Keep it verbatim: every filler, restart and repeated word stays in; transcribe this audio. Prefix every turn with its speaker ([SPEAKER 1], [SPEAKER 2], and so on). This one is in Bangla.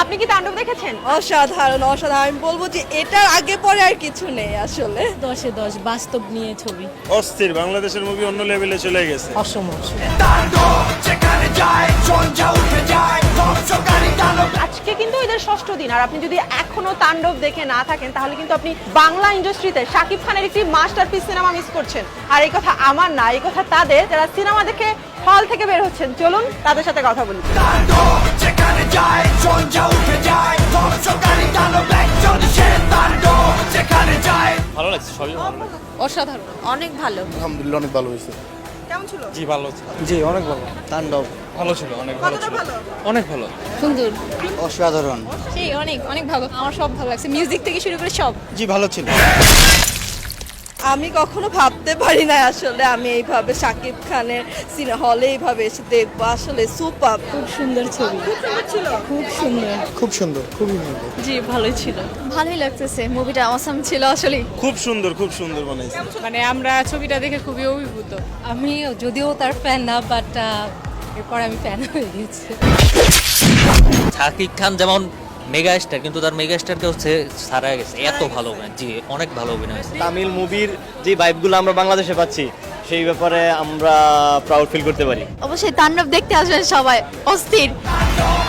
[SPEAKER 1] আপনি কি তাণ্ডব দেখেছেন?
[SPEAKER 2] অসাধারণ অসাধারণ আমি বলবো যে এটার আগে পরে আর কিছু নেই আসলে।
[SPEAKER 3] দশে দশ বাস্তব নিয়ে ছবি।
[SPEAKER 4] অস্থির, বাংলাদেশের মুভি অন্য লেভেলে চলে গেছে।
[SPEAKER 3] অসম
[SPEAKER 1] আজকে কিন্তু এদের ষষ্ঠ দিন, আর আপনি যদি এখনো তাণ্ডব দেখে না থাকেন তাহলে কিন্তু আপনি বাংলা ইন্ডাস্ট্রিতে শাকিব খানের একটি মাস্টারপিস সিনেমা মিস করছেন। আর এই কথা আমার না, এই কথা তাদের যারা সিনেমা দেখে হল থেকে বের হচ্ছেন। চলুন তাদের সাথে কথা বলি।
[SPEAKER 5] ভালো লাগছে, সবই ভালো লাগছে।
[SPEAKER 3] অসাধারণ, অনেক ভালো।
[SPEAKER 6] আলহামদুলিল্লাহ অনেক ভালো হয়েছে।
[SPEAKER 1] কেমন ছিল?
[SPEAKER 5] জি ভালো ছিল,
[SPEAKER 6] জি অনেক ভালো। তাণ্ডব
[SPEAKER 5] ভালো ছিল, অনেক ভালো
[SPEAKER 1] কতটা
[SPEAKER 5] ছিল,
[SPEAKER 1] ভালো?
[SPEAKER 5] অনেক ভালো।
[SPEAKER 3] সুন্দর,
[SPEAKER 6] অসাধারণ।
[SPEAKER 3] সেই অনেক অনেক ভালো। আমার সব ভালো লাগছে, মিউজিক থেকে শুরু করে সব।
[SPEAKER 6] জি ভালো ছিল।
[SPEAKER 2] আমি কখনো ভাবতে পারি না আসলে আমি এইভাবে শাকিব খানের সিনে হলে এইভাবে এসে দেখবো, আসলে সুপার।
[SPEAKER 3] খুব সুন্দর ছবি,
[SPEAKER 1] ছিল
[SPEAKER 3] খুব সুন্দর।
[SPEAKER 6] খুব সুন্দর, খুবই সুন্দর।
[SPEAKER 3] জি ভালোই ছিল, ভালোই লাগতেছে। মুভিটা অসাম ছিল আসলে।
[SPEAKER 4] খুব সুন্দর, খুব সুন্দর বানাইছে।
[SPEAKER 3] মানে আমরা ছবিটা দেখে খুবই অভিভূত। আমি যদিও তার ফ্যান না, বাট এরপর আমি ফ্যান হয়ে গেছি।
[SPEAKER 7] শাকিব খান যেমন মেগা স্টার, কিন্তু তার মেগা স্টারকে হচ্ছে সারা গেছে, এত ভালো অভিনয়। জি অনেক ভালো অভিনয় হয়েছে।
[SPEAKER 8] তামিল মুভির যে ভাইবগুলো আমরা বাংলাদেশে পাচ্ছি সেই ব্যাপারে আমরা প্রাউড ফিল করতে পারি।
[SPEAKER 3] অবশ্যই তাণ্ডব দেখতে আসবেন সবাই, অস্থির।